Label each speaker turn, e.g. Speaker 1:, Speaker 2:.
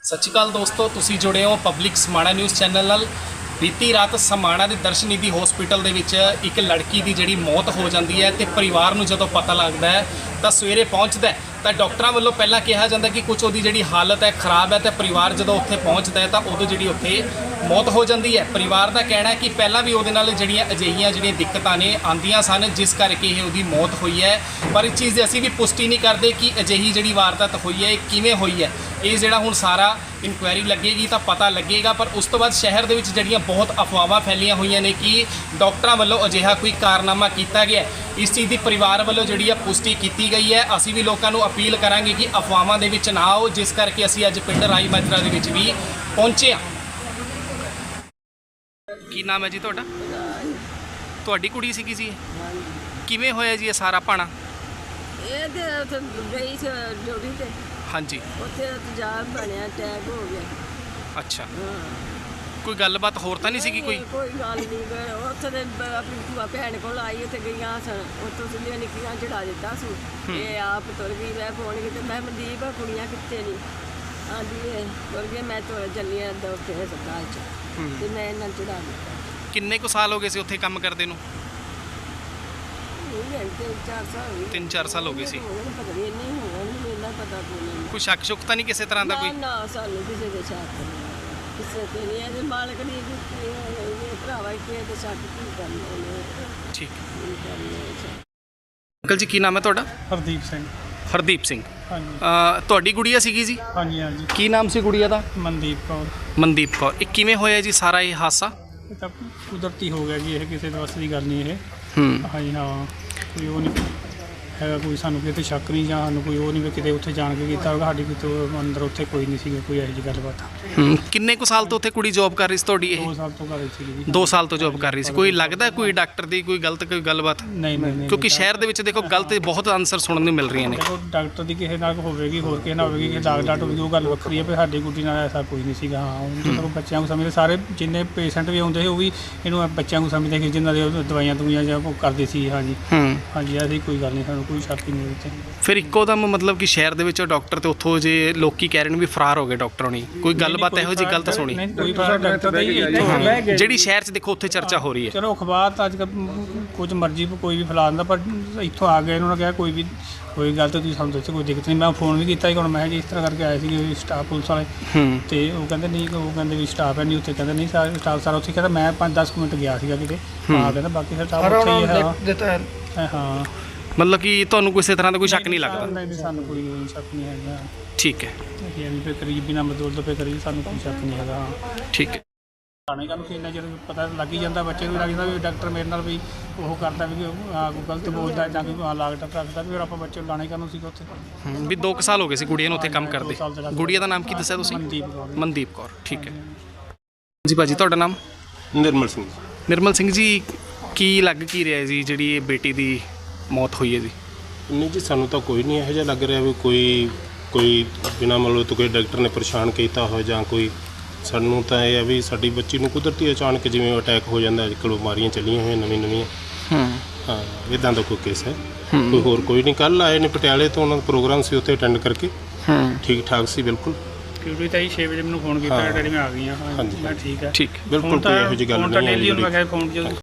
Speaker 1: ਸਤਿ ਸ਼੍ਰੀ ਅਕਾਲ ਦੋਸਤੋ, ਤੁਸੀਂ ਜੁੜੇ ਹੋ ਪਬਲਿਕ ਸਮਾਣਾ ਨਿਊਜ਼ ਚੈਨਲ ਨਾਲ। ਬੀਤੀ ਰਾਤ ਸਮਾਣਾ ਦੇ ਦਰਸ਼ਨੀਧੀ ਹਸਪੀਟਲ ਦੇ ਵਿੱਚ ਇੱਕ ਲੜਕੀ ਦੀ ਜਿਹੜੀ ਮੌਤ ਹੋ ਜਾਂਦੀ ਹੈ ਤੇ ਪਰਿਵਾਰ ਨੂੰ ਜਦੋਂ ਪਤਾ ਲੱਗਦਾ ਹੈ ਤਾਂ ਸਵੇਰੇ ਪਹੁੰਚਦਾ ਹੈ ਤਾਂ ਡਾਕਟਰਾਂ ਵੱਲੋਂ ਪਹਿਲਾਂ ਕਿਹਾ ਜਾਂਦਾ ਕਿ ਕੁਝ ਉਹਦੀ ਜਿਹੜੀ ਹਾਲਤ ਹੈ ਖਰਾਬ ਹੈ ਤੇ ਪਰਿਵਾਰ ਜਦੋਂ ਉੱਥੇ ਪਹੁੰਚਦਾ ਹੈ ਤਾਂ ਉਦੋਂ ਜਿਹੜੀ ਉੱਥੇ ਮੌਤ ਹੋ ਜਾਂਦੀ ਹੈ। ਪਰਿਵਾਰ ਦਾ ਕਹਿਣਾ ਹੈ ਕਿ ਪਹਿਲਾਂ ਵੀ ਉਹਦੇ ਨਾਲ ਜਿਹੜੀਆਂ ਦਿੱਕਤਾਂ ਨੇ ਆਉਂਦੀਆਂ ਸਨ ਜਿਸ ਕਰਕੇ ਇਹ ਉਹਦੀ ਮੌਤ ਹੋਈ ਹੈ, ਪਰ ਇਸ ਚੀਜ਼ ਦੀ ਅਸੀਂ ਵੀ ਪੁਸ਼ਟੀ ਨਹੀਂ ਕਰਦੇ ਕਿ ਅਜਿਹੀ ਜਿਹੜੀ ਵਾਰਦਾਤ ਹੋਈ ਹੈ ਇਹ ਕਿਵੇਂ ਹੋਈ ਹੈ। ਇਹ ਜਿਹੜਾ ਹੁਣ ਸਾਰਾ ਇਨਕੁਆਇਰੀ ਲੱਗੇਗੀ ਤਾਂ ਪਤਾ ਲੱਗੇਗਾ, ਪਰ ਉਸ ਤੋਂ ਬਾਅਦ ਸ਼ਹਿਰ ਦੇ ਵਿੱਚ ਜਿਹੜੀਆਂ ਬਹੁਤ ਅਫਵਾਹਾਂ ਫੈਲੀਆਂ ਹੋਈਆਂ ਨੇ ਕਿ ਡਾਕਟਰਾਂ ਵੱਲੋਂ ਅਜਿਹਾ ਕੋਈ ਕਾਰਨਾਮਾ ਕੀਤਾ ਗਿਆ। ਇਸ ਚੀਜ਼ ਦੀ ਪਰਿਵਾਰ ਵੱਲੋਂ ਜਿਹੜੀ ਆ ਪੁਸ਼ਟੀ ਕੀਤੀ ਗਈ ਹੈ। ਅਸੀਂ ਵੀ ਲੋਕਾਂ ਨੂੰ ਅਪੀਲ ਕਰਾਂਗੇ ਕਿ ਅਫਵਾਹਾਂ ਦੇ ਵਿੱਚ ਨਾ ਆਓ, ਜਿਸ ਕਰਕੇ ਅਸੀਂ ਅੱਜ ਪਿੰਡ ਰਾਈ ਮਾਜਰਾ ਦੇ ਵਿੱਚ ਵੀ ਪਹੁੰਚੇ ਹਾਂ। ਕੀ ਨਾਮ ਹੈ ਜੀ ਤੁਹਾਡਾ? ਤੁਹਾਡੀ ਕੁੜੀ ਸੀਗੀ ਜੀ? ਕਿਵੇਂ ਹੋਇਆ ਜੀ ਇਹ ਸਾਰਾ ਭਾਣਾ?
Speaker 2: ਇਹ ਤੇ ਉੱਥੇ ਗਈ ਸੀ ਡਿਊਟੀ ਤੇ।
Speaker 1: ਹਾਂਜੀ।
Speaker 2: ਉੱਥੇ ਤੇਜ਼ਾਬ ਬਣਿਆ, ਅਟੈਕ ਹੋ ਗਿਆ।
Speaker 1: ਅੱਛਾ, ਕੋਈ ਗੱਲਬਾਤ ਹੋਰ ਤਾਂ ਨਹੀਂ ਸੀਗੀ? ਕੋਈ
Speaker 2: ਗੱਲ ਨਹੀਂ। ਉੱਥੇ ਦੇ ਆਪਣੀ ਭੂਆ ਭੈਣ ਕੋਲ ਆਈ, ਉੱਥੇ ਗਈਆਂ ਸਨ, ਉੱਥੋਂ ਸਿੱਧੀਆਂ ਨਿੱਕੀਆਂ ਚੜਾ ਦਿੱਤਾ ਸੀ। ਇਹ ਆਪ ਤੁਰ ਗਈ। ਮੈਂ ਫੋਨ ਕੀਤਾ, ਮੈਂ ਮਨਦੀਪ ਕੁੜੀਆਂ ਕਿੱਥੇ ਨਹੀਂ? ਆਂਦੀ ਇਹ ਤੁਰ ਗਈ, ਮੈਂ ਤੁਰ ਚੱਲੀ ਆ ਉੱਥੇ ਹਸਪਤਾਲ 'ਚ ਤੇ ਮੈਂ ਇਹਨਾਂ ਨੂੰ ਚੜਾ ਦਿੱਤਾ।
Speaker 1: ਕਿੰਨੇ ਕੁ ਸਾਲ ਹੋ ਗਏ ਸੀ ਉੱਥੇ ਕੰਮ ਕਰਦੇ ਨੂੰ? 3-4 ਸਾਲ ਹੋ ਗਏ ਸੀ।
Speaker 2: ਪਤਾ ਨਹੀਂ ਇੰਨੀ ਹੋਣੀ, ਇੰਨਾ ਪਤਾ ਨਹੀਂ।
Speaker 1: ਕੋਈ ਸ਼ੱਕ ਸ਼ੁਕ ਤਾਂ ਨਹੀਂ ਕਿਸੇ ਤਰ੍ਹਾਂ ਦਾ? ਕੋਈ
Speaker 2: ਨਾ, ਸਾਨੂੰ ਕਿਸੇ ਦੇ ਸ਼ੱਕ ਨਹੀਂ, ਕਿਸੇ ਤੇ ਨਹੀਂ। ਇਹਦੇ ਮਾਲਕ ਨੇ ਭਰਾਵਾ ਕਿ ਤੇ ਸ਼ੱਕ ਕੀ ਕਰਨਾ।
Speaker 1: ਠੀਕ। ਅੰਕਲ ਜੀ ਕੀ ਨਾਮ ਹੈ ਤੁਹਾਡਾ?
Speaker 3: ਹਰਦੀਪ ਸਿੰਘ।
Speaker 1: ਹਰਦੀਪ ਸਿੰਘ।
Speaker 3: ਹਾਂਜੀ।
Speaker 1: ਤੁਹਾਡੀ ਗੁੜੀਆ ਸੀਗੀ ਜੀ?
Speaker 3: ਹਾਂਜੀ ਹਾਂਜੀ।
Speaker 1: ਕੀ ਨਾਮ ਸੀ ਗੁੜੀਆ ਦਾ?
Speaker 3: ਮਨਦੀਪ ਕੌਰ।
Speaker 1: ਮਨਦੀਪ ਕੌਰ। ਇਹ ਕਿਵੇਂ ਹੋਇਆ ਜੀ ਸਾਰਾ ਇਹ ਹਾਦਸਾ?
Speaker 3: ਇਹ ਤਾਂ ਕੁਦਰਤੀ ਹੋ ਗਿਆ ਜੀ, ਇਹ ਕਿਸੇ ਦੇ ਵੱਸ ਦੀ ਗੱਲ ਨਹੀਂ ਇਹ। ਹਾਂਜੀ ਹਾਂ, ਕੋਈ ਉਹ ਨਹੀਂ ਹੈਗਾ, ਕੋਈ ਸਾਨੂੰ ਕਿਤੇ ਸ਼ੱਕ ਨਹੀਂ ਜਾਂ ਸਾਨੂੰ ਕੋਈ ਉਹ ਨਹੀਂ ਵੀ ਕਿਤੇ ਉੱਥੇ ਜਾਣ ਕੇ ਕੀਤਾ ਹੋਗਾ। ਸਾਡੀ ਕਿਤੇ ਅੰਦਰ ਉੱਥੇ ਕੋਈ ਨਹੀਂ ਸੀਗਾ ਕੋਈ ਇਹੋ ਜਿਹੀ ਗੱਲਬਾਤ।
Speaker 1: ਕਿੰਨੇ ਕੁ ਸਾਲ ਤੋਂ ਉੱਥੇ ਕੁੜੀ ਜੋਬ ਕਰ ਰਹੀ ਸੀ ਤੁਹਾਡੀ? ਇਹ
Speaker 3: 2 ਸਾਲ ਤੋਂ ਕਰ ਰਹੀ ਸੀਗੀ ਜੀ।
Speaker 1: 2 ਸਾਲ ਤੋਂ ਜੋਬ ਕਰ ਰਹੀ ਸੀ। ਕੋਈ ਲੱਗਦਾ ਕੋਈ ਡਾਕਟਰ ਦੀ ਕੋਈ ਗਲਤ ਕੋਈ ਗੱਲਬਾਤ?
Speaker 3: ਨਹੀਂ ਨਹੀਂ।
Speaker 1: ਕਿਉਂਕਿ ਸ਼ਹਿਰ ਦੇ ਵਿੱਚ ਦੇਖੋ ਗਲਤ ਬਹੁਤ ਆਨਸਰ ਸੁਣਨ ਨੂੰ ਮਿਲ ਰਹੀਆਂ ਨੇ।
Speaker 3: ਦੇਖੋ ਡਾਕਟਰ ਦੀ ਕਿਸੇ ਨਾਲ ਹੋਵੇਗੀ, ਹੋਰ ਕਿਸੇ ਨਾਲ ਹੋਵੇਗੀ, ਕਿ ਡਾਕਟਰ ਹੋਵੇਗੀ, ਉਹ ਗੱਲ ਵੱਖਰੀ ਹੈ। ਪਰ ਸਾਡੀ ਗੁੱਡੀ ਨਾਲ ਐਸਾ ਕੋਈ ਨਹੀਂ ਸੀਗਾ। ਹਾਂ, ਜਦੋਂ ਬੱਚਿਆਂ ਨੂੰ ਸਮਝਦੇ, ਸਾਰੇ ਜਿੰਨੇ ਪੇਸ਼ੈਂਟ ਵੀ ਆਉਂਦੇ ਸੀ ਉਹ ਵੀ ਇਹਨੂੰ ਬੱਚਿਆਂ ਨੂੰ ਸਮਝਦੇ ਕਿ ਜਿਨ੍ਹਾਂ ਦੇ ਦਵਾਈਆਂ ਦਵਾਈਆਂ ਜਾਂ ਉਹ ਕਰਦੇ ਸੀ। ਹਾਂਜੀ ਹਾਂਜੀ, ਐਸੀ ਕੋਈ ਗੱਲ ਨਹੀਂ, ਸਾਨੂੰ ਕੋਈ ਸ਼ੱਕ ਹੀ ਨਹੀਂ ਵਿੱਚ। ਫਿਰ
Speaker 1: ਇੱਕੋ ਦਮ ਮਤਲਬ ਕਿ ਸ਼ਹਿਰ ਦੇ ਵਿੱਚ ਡਾਕਟਰ ਤੇ ਉੱਥੋਂ ਜੇ ਲੋਕੀ ਕਹਿ ਰਹੇ ਨੇ ਵੀ ਫਰਾਰ ਹੋ ਗਏ ਡਾਕਟਰ ਹੋਣੀ, ਕੋਈ ਗੱਲਬਾਤ ਇਹੋ ਜਿਹੀ ਗਲਤ ਸੁਣੀ?
Speaker 3: ਕੋਈ ਡਾਕਟਰ ਦਾ ਹੀ
Speaker 1: ਜਿਹੜੀ ਸ਼ਹਿਰ 'ਚ ਦੇਖੋ ਉੱਥੇ ਚਰਚਾ ਹੋ ਰਹੀ ਹੈ।
Speaker 3: ਚਲੋ ਅਖਬਾਰ ਤਾਂ ਅੱਜ ਕੱਲ੍ਹ ਕੁਝ ਮਰਜ਼ੀ ਕੋਈ ਵੀ ਫੈਲਾ ਦਿੰਦਾ, ਪਰ ਇੱਥੋਂ ਆ ਗਏ ਉਹਨਾਂ ਨੇ ਕਿਹਾ ਕੋਈ ਵੀ ਕੋਈ ਗੱਲ ਤਾਂ ਤੁਸੀਂ ਸਾਨੂੰ ਦੱਸੋ, ਕੋਈ ਦਿੱਕਤ ਨਹੀਂ। ਮੈਂ ਫੋਨ ਵੀ ਕੀਤਾ ਸੀ, ਹੁਣ ਮੈਂ ਜੀ ਇਸ ਤਰ੍ਹਾਂ ਕਰਕੇ ਆਏ ਸੀ ਸਟਾਫ ਪੁਲਿਸ ਵਾਲੇ, ਤੇ ਉਹ ਕਹਿੰਦੇ ਨਹੀਂ, ਉਹ ਕਹਿੰਦੇ ਵੀ ਸਟਾਫ ਹੈ ਨਹੀਂ ਉੱਥੇ। ਕਹਿੰਦੇ ਨਹੀਂ ਸਾਰੇ ਸਟਾਫ ਸਾਰਾ ਉੱਥੇ। ਕਹਿੰਦਾ ਮੈਂ 5-10 ਮਿੰਟ ਗਿਆ ਸੀਗਾ ਕਿਤੇ। ਹਾਂ, ਕਹਿੰਦਾ ਬਾਕੀ ਸਟਾਫ ਉੱਥੇ ਹੀ ਹੈ। ਹਾਂ,
Speaker 1: ਮਤਲਬ ਕਿ ਤੁਹਾਨੂੰ ਕਿਸੇ ਤਰ੍ਹਾਂ ਦਾ ਕੋਈ ਸ਼ੱਕ ਨਹੀਂ ਲੱਗਦਾ?
Speaker 3: ਨਹੀਂ, ਸਾਨੂੰ ਕੋਈ ਸ਼ੱਕ ਨਹੀਂ ਹੈਗਾ।
Speaker 1: ਠੀਕ ਹੈ।
Speaker 3: ਇਹ ਵੀ ਕਰੀਬ ਬਿਨਾਂ ਮਦਦ ਤੋਂ ਕਰੀਬ ਸਾਨੂੰ ਕੋਈ ਸ਼ੱਕ ਨਹੀਂ ਹੈਗਾ।
Speaker 1: ਠੀਕ ਹੈ।
Speaker 3: ਥਾਣੇ ਕਾਨੂੰ ਇੰਨਾ ਚਿਰ ਪਤਾ ਲੱਗ ਹੀ ਜਾਂਦਾ, ਬੱਚੇ ਨੂੰ ਲੱਗ ਜਾਂਦਾ ਵੀ ਡਾਕਟਰ ਮੇਰੇ ਨਾਲ ਵੀ ਉਹ ਕਰਦਾ ਵੀ ਕੋਈ ਗਲਤ ਬੋਲਦਾ ਜਾਂ ਕੋਈ ਲਾਗਟ ਰੱਖਦਾ, ਫਿਰ ਆਪਾਂ ਬੱਚੇ ਨੂੰ ਲਾਣੇ ਕਾਨੂੰ ਸੀਗਾ ਉੱਥੇ।
Speaker 1: ਵੀ 2 ਸਾਲ ਹੋ ਗਏ ਸੀ ਗੁੜੀਆ ਨੂੰ ਉੱਥੇ ਕੰਮ ਕਰਦੇ। ਗੁੜੀਆ ਦਾ ਨਾਮ ਕੀ ਦੱਸਿਆ ਤੁਸੀਂ?
Speaker 3: ਮਨਦੀਪ ਕੌਰ।
Speaker 1: ਮਨਦੀਪ ਕੌਰ। ਠੀਕ ਹੈ ਜੀ। ਭਾਜੀ ਤੁਹਾਡਾ ਨਾਮ?
Speaker 4: ਨਿਰਮਲ ਸਿੰਘ।
Speaker 1: ਨਿਰਮਲ ਸਿੰਘ ਜੀ, ਕੀ ਲੱਗ ਕੀ ਰਿਹਾ ਜੀ ਜਿਹੜੀ ਇਹ ਬੇਟੀ ਦੀ ਮੌਤ ਹੋਈ ਹੈ ਜੀ?
Speaker 4: ਨਹੀਂ ਜੀ, ਸਾਨੂੰ ਤਾਂ ਕੋਈ ਨਹੀਂ ਇਹੋ ਜਿਹਾ ਲੱਗ ਰਿਹਾ ਵੀ ਕੋਈ ਬਿਨਾਂ ਮਤਲਬ ਤੋਂ ਕੋਈ ਡਾਕਟਰ ਨੇ ਪਰੇਸ਼ਾਨ ਕੀਤਾ ਹੋਇਆ ਜਾਂ ਕੋਈ। ਸਾਨੂੰ ਤਾਂ ਇਹ ਹੈ ਵੀ ਸਾਡੀ ਬੱਚੀ ਨੂੰ ਕੁਦਰਤੀ ਅਚਾਨਕ ਜਿਵੇਂ ਅਟੈਕ ਹੋ ਜਾਂਦਾ, ਅੱਜ ਕੱਲ੍ਹ ਬਿਮਾਰੀਆਂ ਚੱਲੀਆਂ ਹੋਈਆਂ ਨਵੀਆਂ। ਹਾਂ, ਇੱਦਾਂ ਦਾ ਕੋਈ ਕੇਸ ਹੈ। ਕੋਈ ਹੋਰ ਕੋਈ ਨਹੀਂ। ਕੱਲ੍ਹ ਆਏ ਨੇ ਪਟਿਆਲੇ ਤੋਂ, ਉਹਨਾਂ ਦਾ ਪ੍ਰੋਗਰਾਮ ਸੀ, ਉੱਥੇ ਅਟੈਂਡ ਕਰਕੇ ਠੀਕ ਠਾਕ ਸੀ ਬਿਲਕੁਲ।
Speaker 3: ਕਿਉਂਕਿ ਤਾਂ 6 ਵਜੇ ਮੈਨੂੰ ਫੋਨ ਕੀਤਾ, ਡੈਡੀ ਮੈਂ ਆ ਗਈ ਹਾਂ।
Speaker 4: ਹਾਂਜੀ,
Speaker 3: ਮੈਂ ਠੀਕ ਹੈ।
Speaker 1: ਠੀਕ।
Speaker 4: ਬਿਲਕੁਲ ਕੋਈ ਇਹੋ ਜਿਹੀ ਗੱਲ ਨਹੀਂ ਹੈ।
Speaker 3: ਮੈਂ ਕਿਹਾ ਫੋਨ